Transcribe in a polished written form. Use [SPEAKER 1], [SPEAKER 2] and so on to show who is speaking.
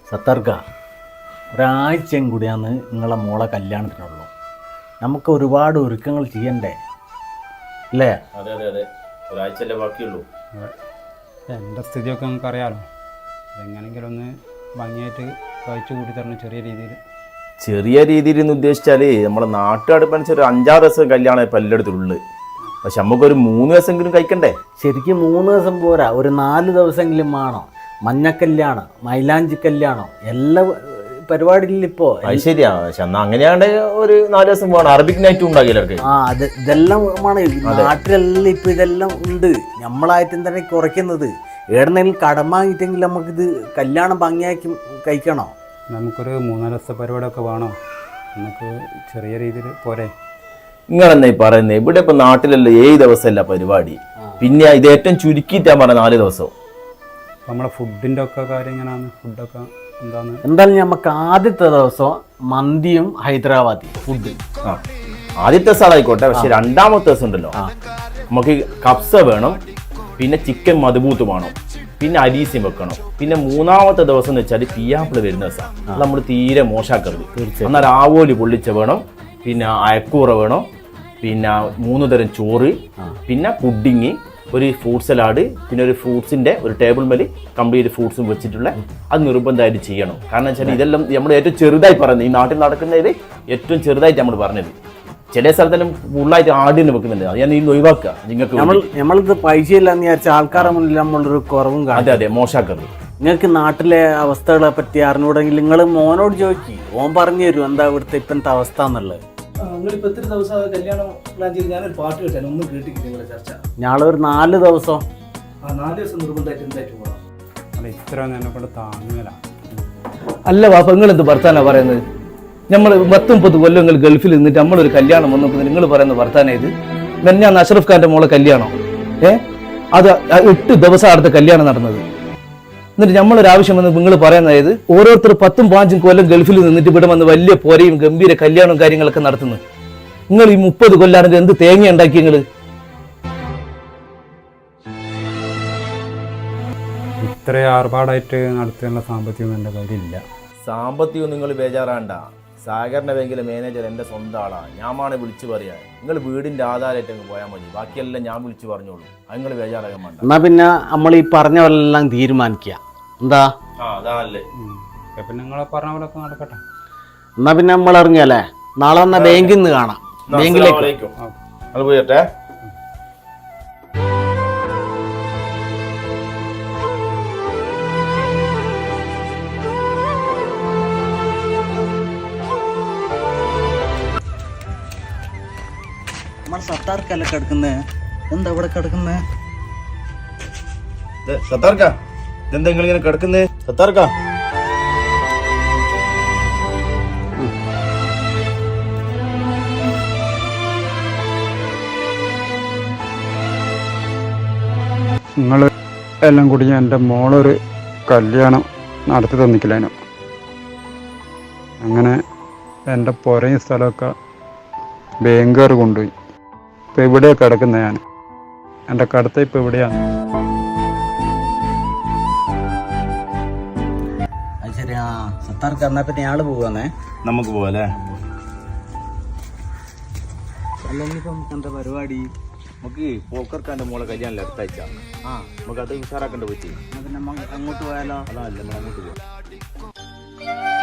[SPEAKER 1] സത്തർക്ക ഒരാഴ്ചയും കൂടിയാണ് നിങ്ങളെ മോളെ കല്യാണത്തിനുള്ളൂ. നമുക്ക് ഒരുപാട് ഒരുക്കങ്ങൾ ചെയ്യണ്ടേ അല്ലേ?
[SPEAKER 2] അതെ അതെ അതെ, ഒരാഴ്ചയല്ലേ ബാക്കിയുള്ളൂ.
[SPEAKER 3] എൻ്റെ സ്ഥിതിയൊക്കെ നമുക്ക് അറിയാമല്ലോ. അതെങ്ങനെയെങ്കിലും ഒന്ന് ഭംഗിയായിട്ട് കഴിച്ചു കൂട്ടി തരണം
[SPEAKER 2] ചെറിയ രീതിയിൽ എന്ന് ഉദ്ദേശിച്ചാൽ നമ്മളെ നാട്ടുകാടുപ്പനുസരിച്ച് ഒരു 5-6 ദിവസം കല്യാണം ഇപ്പം എല്ലായിടത്തുള്ളു. പക്ഷെ നമുക്കൊരു 3 ദിവസമെങ്കിലും കഴിക്കണ്ടേ?
[SPEAKER 1] ശരിക്കും 3 ദിവസം പോരാ, ഒരു 4 ദിവസമെങ്കിലും വേണം. മഞ്ഞക്കല്യാണം, മൈലാഞ്ചി കല്യാണം, എല്ലാ പരിപാടിയിലും ഇപ്പോ
[SPEAKER 2] അത് ശരിയാ. പക്ഷെ എന്നാ അങ്ങനെയാണ്ട് ഒരു 4 ദിവസം പോകണം. അറബിക് നൈറ്റും ഉണ്ടാകില്ല അവർക്ക്.
[SPEAKER 1] ഇതെല്ലാം നാട്ടിലെല്ലാം ഇപ്പൊ ഇതെല്ലാം ഉണ്ട്. നമ്മളായിട്ട് എന്താണ് കുറയ്ക്കുന്നത്? എവിടെന്നെങ്കിലും കടം വാങ്ങിയിട്ടെങ്കിൽ നമുക്കിത് കല്യാണം ഭംഗിയാക്കി കഴിക്കണോ?
[SPEAKER 3] നമുക്കൊരു 3-4 ദിവസത്തെ പരിപാടിയൊക്കെ വേണോ? നമുക്ക് ചെറിയ രീതിയിൽ പോരെ?
[SPEAKER 2] നിങ്ങളെന്നാ പറയുന്നത്? ഇവിടെ ഇപ്പൊ നാട്ടിലല്ലേ 7 ദിവസമല്ല പരിപാടി. പിന്നെ ഇത് ഏറ്റവും ചുരുക്കിയിട്ടാ പറഞ്ഞ 4 ദിവസം.
[SPEAKER 3] നമ്മളെ ഫുഡിന്റെ ഒക്കെ കാര്യം എങ്ങനെയാണ്? ഫുഡൊക്കെ
[SPEAKER 1] എന്തായാലും നമുക്ക് ആദ്യത്തെ ദിവസം മന്തിയും ഹൈദരാബാദി ഫുഡ്.
[SPEAKER 2] ആദ്യത്തെ ദിവസം ആയിക്കോട്ടെ. പക്ഷെ 2ാമത്തെ ദിവസം ഉണ്ടല്ലോ, നമുക്ക് കബ്സ വേണം, പിന്നെ ചിക്കൻ മധുബൂത്ത് വേണം, പിന്നെ അരീസ്യം വെക്കണം. പിന്നെ 3ാമത്തെ ദിവസം എന്ന് വെച്ചാൽ പിയാപ്പിള് വരുന്ന ദിവസം. അത് നമ്മൾ തീരെ മോശാക്കരുത്. എന്നാൽ ആവോലി പൊള്ളിച്ച വേണം, പിന്നെ അയക്കൂറ വേണം, പിന്നെ 3 തരം ചോറ്, പിന്നെ പുഡിങ്, ഒരു ഫ്രൂട്ട് സലാഡ്, പിന്നെ ഒരു ഫ്രൂട്ട്സിൻ്റെ ഒരു ടേബിൾ മേൽ കംപ്ലീറ്റ് ഫ്രൂട്ട്സും വെച്ചിട്ടുള്ള അത് നിർബന്ധമായിട്ട് ചെയ്യണം. കാരണം വെച്ചാൽ ഇതെല്ലാം നമ്മൾ ഏറ്റവും ചെറുതായി പറയുന്നത്, ഈ നാട്ടിൽ നടക്കുന്നതിൽ ഏറ്റവും ചെറുതായിട്ട് നമ്മൾ പറഞ്ഞത്. ചില സ്ഥലത്തെല്ലാം ഫുള്ളായിട്ട് ആടിന് വെക്കുന്നുണ്ട്. അത് ഞാൻ ഇന്ന് ഒഴിവാക്കുക. നിങ്ങൾക്ക്
[SPEAKER 1] നമ്മളിത് പൈസ ഇല്ലാന്ന് വിചാരിച്ച ആൾക്കാരുടെ മുന്നിൽ നമ്മളൊരു കുറവും കാണും.
[SPEAKER 2] അതെ അതെ, മോശാക്കരുത്.
[SPEAKER 1] നിങ്ങൾക്ക് നാട്ടിലെ അവസ്ഥകളെ പറ്റി അറിഞ്ഞൂടെങ്കിൽ നിങ്ങൾ മോനോട് ചോദിക്കും, ഓൻ പറഞ്ഞു തരും എന്താ ഇവിടുത്തെ ഇപ്പോഴത്തെ അവസ്ഥ എന്നുള്ളത്. ഞാളൊരു 4 ദിവസം
[SPEAKER 3] ഇത്ര എന്നെക്കൊണ്ട് താങ്ങല.
[SPEAKER 4] അല്ല വാപ്പ, നിങ്ങൾ എന്ത് വർത്താനാ പറയുന്നത്? നമ്മൾ 30 കൊല്ലങ്ങൾ ഗൾഫിൽ നിന്നിട്ട് നമ്മളൊരു കല്യാണം വന്നപ്പോൾ നിങ്ങൾ പറയുന്ന വർത്താനം ഇത്? ഞാൻ അഷ്റഫ് ഖാന്റെ മോളെ കല്യാണം അത് 8 ദിവസം അടുത്ത കല്യാണം നടന്നത്. എന്നിട്ട് നമ്മളൊരാവശ്യം വന്ന് നിങ്ങൾ പറയുന്നത് ഓരോരുത്തർ 10-15 കൊല്ലം ഗൾഫിൽ നിന്നിട്ട് ഇവിടെ വന്ന് വലിയ പോരയും ഗംഭീര കല്യാണവും കാര്യങ്ങളൊക്കെ നടത്തുന്നു. നിങ്ങൾ ഈ 30 കൊല്ലാണെങ്കിൽ എന്ത് തേങ്ങ ഉണ്ടാക്കി? നിങ്ങൾ
[SPEAKER 3] ഇത്ര ആർഭാടായിട്ട് നടത്താനുള്ള സാമ്പത്തികം എൻ്റെ കയ്യിലില്ല.
[SPEAKER 2] സാമ്പത്തികം നിങ്ങൾ ബേജാറാണ്ട. സഹകരണ ബാങ്കിലെ മാനേജർ എൻ്റെ സ്വന്തം ആളാണ്. ഞാനാണ് വിളിച്ചു പറയാ. നിങ്ങൾ വീടിൻ്റെ ആധാരമായിട്ട് അങ്ങ് പോയാൽ മതി. ബാക്കിയെല്ലാം ഞാൻ വിളിച്ചു പറഞ്ഞോളൂ. അത് നിങ്ങൾ ബേജാറാകാൻ വേണ്ട.
[SPEAKER 1] എന്നാ പിന്നെ നമ്മൾ ഈ പറഞ്ഞവരെല്ലാം തീരുമാനിക്കുക. എന്താ?
[SPEAKER 2] അതാണല്ലേ.
[SPEAKER 3] പിന്നെ നിങ്ങളെ പറഞ്ഞ പോലൊക്കെ നടക്കട്ടെ.
[SPEAKER 1] എന്നാ പിന്നെ നമ്മൾ ഇറങ്ങിയല്ലേ? നാളെ വന്ന ബാങ്കിൽ നിന്ന് കാണാം. ബാങ്കിലേക്ക്
[SPEAKER 2] അത് പോയിട്ടെ.
[SPEAKER 1] നമ്മുടെ സത്താർക്കല്ല കിടക്കുന്നേ. എന്താ ഇവിടെ കിടക്കുന്നേ?
[SPEAKER 2] സത്താർക്ക, ഇതെന്താ നിങ്ങൾ ഇങ്ങനെ കിടക്കുന്നേ? സത്താർക്ക,
[SPEAKER 3] നിങ്ങൾ എല്ലാം കൂടി എൻ്റെ മോളൊരു കല്യാണം നടത്തി തന്നിക്കില്ലേനോ? അങ്ങനെ എൻ്റെ പുരയും സ്ഥലമൊക്കെ ബാങ്കുകാർ കൊണ്ടുപോയി. ഇപ്പം എവിടെയാണ് കിടക്കുന്നത്? ഞാൻ എൻ്റെ കടത്ത ഇപ്പം എവിടെയാണ്?
[SPEAKER 1] ശരിയാ സത്താർക്ക്. എന്നാ പിന്നെ ആള് പോവാന്നേ.
[SPEAKER 2] നമുക്ക് പോവാല്ലേ?
[SPEAKER 1] അല്ലെങ്കിൽ നമുക്ക് എന്താ പരിപാടി?
[SPEAKER 2] നമുക്ക് പോക്കർക്കാൻ്റെ മോളെ കല്യാണം അടുത്താഴ്ച. നമുക്ക് അത് ഉഷാറാക്കേണ്ട പറ്റി.
[SPEAKER 1] അങ്ങോട്ട് പോയാലോ?
[SPEAKER 2] അതല്ല, നമ്മൾ അങ്ങോട്ട് പോവാം.